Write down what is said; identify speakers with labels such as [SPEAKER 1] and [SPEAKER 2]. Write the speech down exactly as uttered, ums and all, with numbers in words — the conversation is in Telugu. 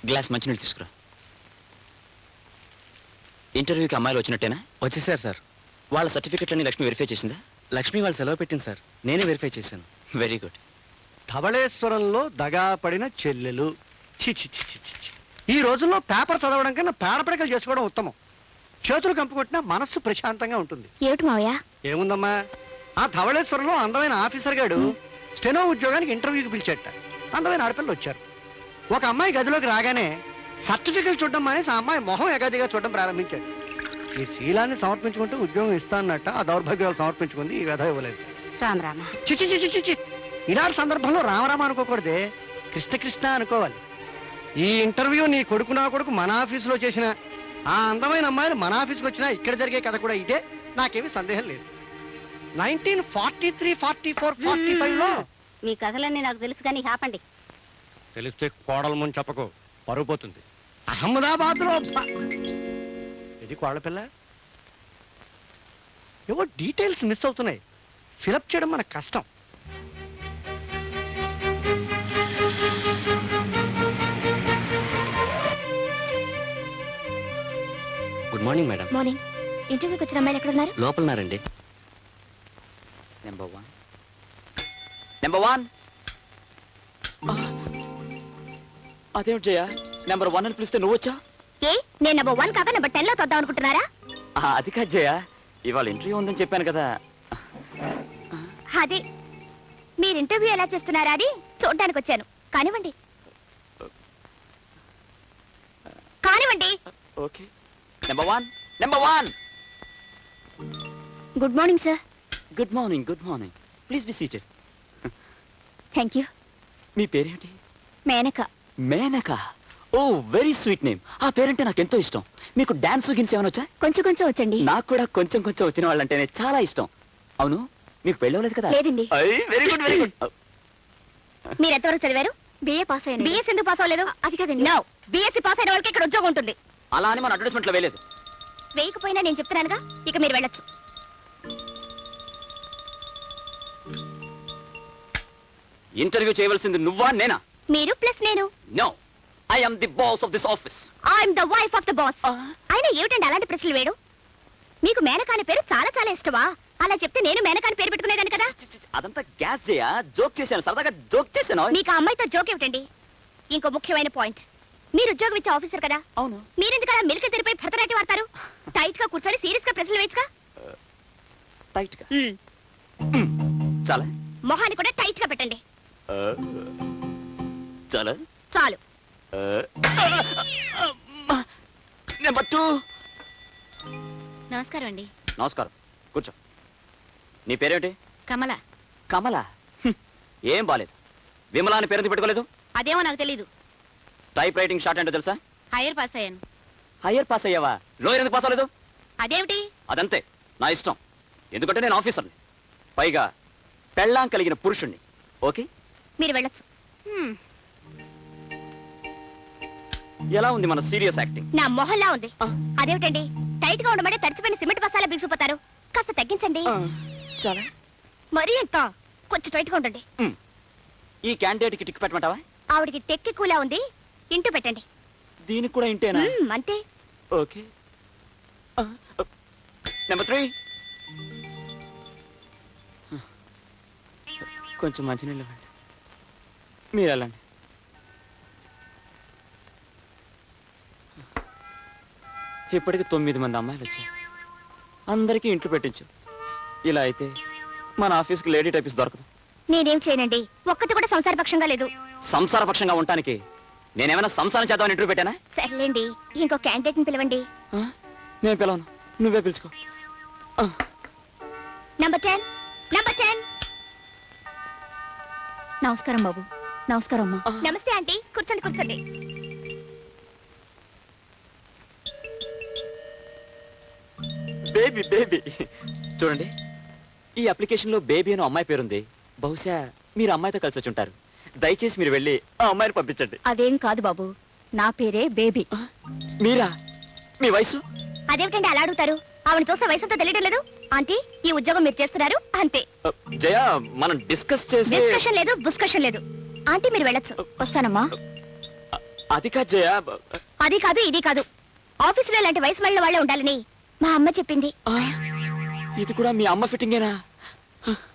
[SPEAKER 1] గ్లాస్ మంచినీళ్ళు తీసుకురా. ఇంటర్వ్యూకి అమ్మాయిలు వచ్చినట్టేనా?
[SPEAKER 2] వచ్చేసారు సార్.
[SPEAKER 1] వాళ్ళ సర్టిఫికెట్లన్నీ లక్ష్మి వెరిఫై చేసిందా?
[SPEAKER 2] లక్ష్మి వాళ్ళు సెలవు పెట్టింది సార్, నేనే వెరిఫై చేశాను.
[SPEAKER 1] Very good.
[SPEAKER 3] ధవళేశ్వరంలో దగా పడిన చెల్లెలు. చి చి చి చి చి. ఈ రోజుల్లో పేపర్ చదవడం కన్నా పేడపడకలు చేసుకోవడం ఉత్తమం. చేతులు కంపుకొట్టినా మనస్సు ప్రశాంతంగా ఉంటుంది.
[SPEAKER 4] ఏమిటి మావయ్య?
[SPEAKER 3] ఏముందమ్మా, ఆ ధవళేశ్వరంలో అందమైన ఆఫీసర్ గాడు స్టెనో ఉద్యోగానికి ఇంటర్వ్యూకి పిలిచేట. అందమైన ఆడపిల్లలు వచ్చారు. ఒక అమ్మాయి గదిలోకి రాగానే సర్టిఫికెట్ చూడడం మానేసి ఆ అమ్మాయి మొహం ఎగాదిగా చూడడం ప్రారంభించాడు. ఈ శీలాన్ని సమర్పించుకుంటూ ఉద్యోగం ఇస్తానన్నట్ట ఆ దౌర్భాగ్యాలు సమర్పించుకుంది. ఈ వ్యధ ఇవ్వలేదు.
[SPEAKER 4] రామ రామ.
[SPEAKER 3] చిచి చిచి చిచి. ఇలాంటి సందర్భంలో రామరామ అనుకోకూడదే, కృష్ణ కృష్ణ అనుకోవాలి. ఈ ఇంటర్వ్యూ నీ కొడుకు నా కొడుకు మన ఆఫీసులో చేసిన ఆ అందమైన అమ్మాయిలు మన ఆఫీస్కి వచ్చినా ఇక్కడ జరిగే కథ కూడా ఇదే. నాకేమీ సందేహం లేదు. Nineteen forty three forty four forty five లో
[SPEAKER 4] మీ కథలన్నీ నాకు తెలుసు కానీ ఆపండి.
[SPEAKER 3] తెలిస్తే కోడలు ముందు చెప్పకు, పరుగు పోతుంది. అహ్మదాబాద్ లో ఇది కోడల పిల్ల. ఏవో డీటెయిల్స్ మిస్ అవుతున్నాయి. ఫిలప్ చేయడం మనకు కష్టం.
[SPEAKER 2] Good morning madam.
[SPEAKER 4] మార్నింగ్. ఇంటర్వ్యూకి వచ్చిన అమ్మాయిలు ఎక్కడ ఉన్నారు?
[SPEAKER 2] లోపలన్నారండి.
[SPEAKER 1] నెంబర్ వన్ నెంబర్ వన్ అదేమిటి జయ, నెంబర్ వన్ అని పిలిస్తే నువ్వు వచ్చా?
[SPEAKER 4] ఏ నేను నెంబర్ వన్ కాక నెంబర్ టెన్ లో తొద్దాం అనుకుంటున్నారా?
[SPEAKER 1] అది కాదు జయ, ఇవాళ ఇంటర్వ్యూ ఉందని చెప్పాను కదా.
[SPEAKER 4] అదే మీరు ఇంటర్వ్యూ ఎలా చేస్తున్నారా అని చూడడానికి వచ్చాను. కానివ్వండి కానివ్వండి.
[SPEAKER 1] Okay. Number one number one
[SPEAKER 4] good morning sir.
[SPEAKER 1] Good morning good morning please be seated.
[SPEAKER 4] Thank you.
[SPEAKER 1] మీ పేరేంటి?
[SPEAKER 4] Menaka.
[SPEAKER 1] Menaka. Oh very sweet name. ఆ పేరంటే నాకు ఎంతో ఇష్టం. మీకు డాన్స్ గిన్స్ ఏమైనా వచ్చా?
[SPEAKER 4] కొంచెం కొంచెం వచ్చండి.
[SPEAKER 1] నాకు కూడా కొంచెం కొంచెం వచ్చిన వాళ్ళంటేనే చాలా ఇష్టం. అవును, మీకు పెళ్ళవలేదు కదా?
[SPEAKER 4] లేదండి.
[SPEAKER 1] Very good very good.
[SPEAKER 4] మీరు ఎంతవరకు చదివారు? బిఏ పాస్ అయ్యాను. బిఎస్ ఎందుకు పాస్ అవ్వలేదు? అది కదండి. నో, బిఎస్సీ పాస్ అయిన వాళ్ళకి ఇక్కడ ఉద్యోగం ఉంటుంది.
[SPEAKER 1] అలా అని మన అడ్వర్టైజ్మెంట్ లో వేయలేదు.
[SPEAKER 4] వేయకపోయినా నేను చెప్తున్నానుగా, ఇక మీరు వెళ్ళొచ్చు.
[SPEAKER 1] ఇంటర్వ్యూ చేయవలసింది నువ్వా నేనా?
[SPEAKER 4] మీరు ప్లస్ నేను.
[SPEAKER 1] No, I am the boss of this office.
[SPEAKER 4] I'm the wife of the boss. అయినా ఏమిటండి అలాంటి ప్రశ్నలు వేయడం? మీకు మేనకాని పేరు చాలా చాలా ఇష్టమా? అలా చెప్తే నేను మేనకాని పేరు పెట్టుకునేదాన్ని కదా.
[SPEAKER 1] అదంతా గ్యాస్ చేయా, జోక్ చేశాను, సరదాగా జోక్ చేశాను.
[SPEAKER 4] మీకు ఆ అమ్మాయితో జోక్ ఏమిటండి? ఇంకో ముఖ్యమైన పాయింట్, మీరు ఉద్యోగం ఇచ్చే ఆఫీసర్ కదా.
[SPEAKER 1] అవును.
[SPEAKER 4] మీరెందుకు అలా మిల్క తెరిపై భరతనాట్యం వాడతారు? టైట్ గా కూర్చొని సీరియస్ గా ప్రశ్నలు వేయచ్చుగా.
[SPEAKER 1] టైట్ గా చాలా.
[SPEAKER 4] మొహాన్ని కూడా టైట్ గా పెట్టండి.
[SPEAKER 1] చాలా
[SPEAKER 4] చాలు.
[SPEAKER 1] Number two.
[SPEAKER 4] నమస్కారం అండి.
[SPEAKER 1] నమస్కారం, కూర్చో. నీ పేరేమిటి?
[SPEAKER 4] కమల.
[SPEAKER 1] కమల? ఏం బాలేదు. విమలా అని పేరు పెట్టుకోలేదు?
[SPEAKER 4] అదేమో నాకు తెలీదు.
[SPEAKER 1] టైప్ రైటింగ్ షార్ట్ అంటే తెలుసా?
[SPEAKER 4] హైయర్ పాస్ అయ్యాను.
[SPEAKER 1] హైయర్ పాస్ అయ్యావా? లోయర్ ఎందుకు పాస్ అవ్వలేదు?
[SPEAKER 4] అదేమిటి?
[SPEAKER 1] అదంతే, నా ఇష్టం. ఎందుకంటే నేను ఆఫీసర్ని, పైగా పెళ్ళాం కలిగిన పురుషుణ్ణి. ఓకే,
[SPEAKER 4] మీరు వెళ్ళొచ్చు.
[SPEAKER 1] ఎలా ఉంది మన సీరియస్ యాక్టింగ్?
[SPEAKER 4] నా మొహల్లా ఉంది. అదేమిటండి, టైట్ గా ఉండమంటే తడిచిపోయిన సిమెంట్ బస్తాలా బిగిసిపోతారు. కాస్త తగ్గించండి.
[SPEAKER 1] చాలా
[SPEAKER 4] మరీ ఎంత, కొంచెం టైట్ గా ఉండండి.
[SPEAKER 1] ఈ క్యాండిడేట్ కి టిక్ పెట్టమంటావా?
[SPEAKER 4] ఆవిడికి టెక్కి కూలా ఉంది, ఇంటూ పెట్టండి.
[SPEAKER 1] దీనికి కూడా ఇంటేనా?
[SPEAKER 4] అంతే.
[SPEAKER 1] ఓకే. Number three. కొంచెం మంచినీళ్ళు ఇవ్వండి. మీరు వెళ్ళండి. ఇప్పటికి తొమ్మిది మంది అమ్మాయిలు వచ్చారు. అందరికీ ఇంట్లో పెట్టించు. ఇలా అయితే మన ఆఫీస్కి లేడీ టైపిస్ట్ దొరకదు.
[SPEAKER 4] నేనేం చేయనండి, ఒక్కటి కూడా సంసారపక్షంగా లేదు.
[SPEAKER 1] సంసారపక్షంగా ఉండటానికి నేనేమైనా సంసారం చేద్దామని ఇంటర్వ్యూ పెట్టానా?
[SPEAKER 4] సర్లేండి, ఇంకో క్యాండిడేట్ ని పిలవండి.
[SPEAKER 1] నేను పిలవను, నువ్వే పిలుచుకో.
[SPEAKER 4] Number ten. Number ten.
[SPEAKER 5] నమస్కారం బాబు. నమస్కారం అమ్మా.
[SPEAKER 4] నమస్తే ఆంటీ, కూర్చోండి కూర్చోండి.
[SPEAKER 1] బేబీ బేబీ చూడండి, ఈ అప్లికేషన్ లో బేబీ అని అమ్మాయి పేరుంది. బహుశా మీరు అమ్మాయితో కలిసి వచ్చి ఉంటారు. దయచేసి మీరు వెళ్ళి ఆ అమ్మాయిని పంపించండి.
[SPEAKER 5] అదేం కాదు బాబు, నా పేరే బేబీ.
[SPEAKER 1] మీరా? మీ వయసు?
[SPEAKER 4] అదేమిటండి అలా అడుగుతారు? ఆవిడ చూస్తే వయసుతో తెలియడం లేదు. ఆంటీ, ఈ ఉద్యోగం మీరు చేస్తున్నారు అంతే.
[SPEAKER 1] జయ, మనం డిస్కస్ చేసి.
[SPEAKER 4] డిస్కషన్ లేదు, బుస్కషన్ లేదు. ఆంటీ మీరు వెళ్ళొచ్చు.
[SPEAKER 5] వస్తానమ్మా.
[SPEAKER 1] అది కాదు జయ.
[SPEAKER 4] అది కాదు ఇది కాదు, ఆఫీసులో ఇలాంటి వయసు మళ్ళీ వాళ్ళే ఉండాలని మా అమ్మ చెప్పింది.
[SPEAKER 1] ఆ, ఇది కూడా మీ అమ్మ ఫిట్టింగేనా?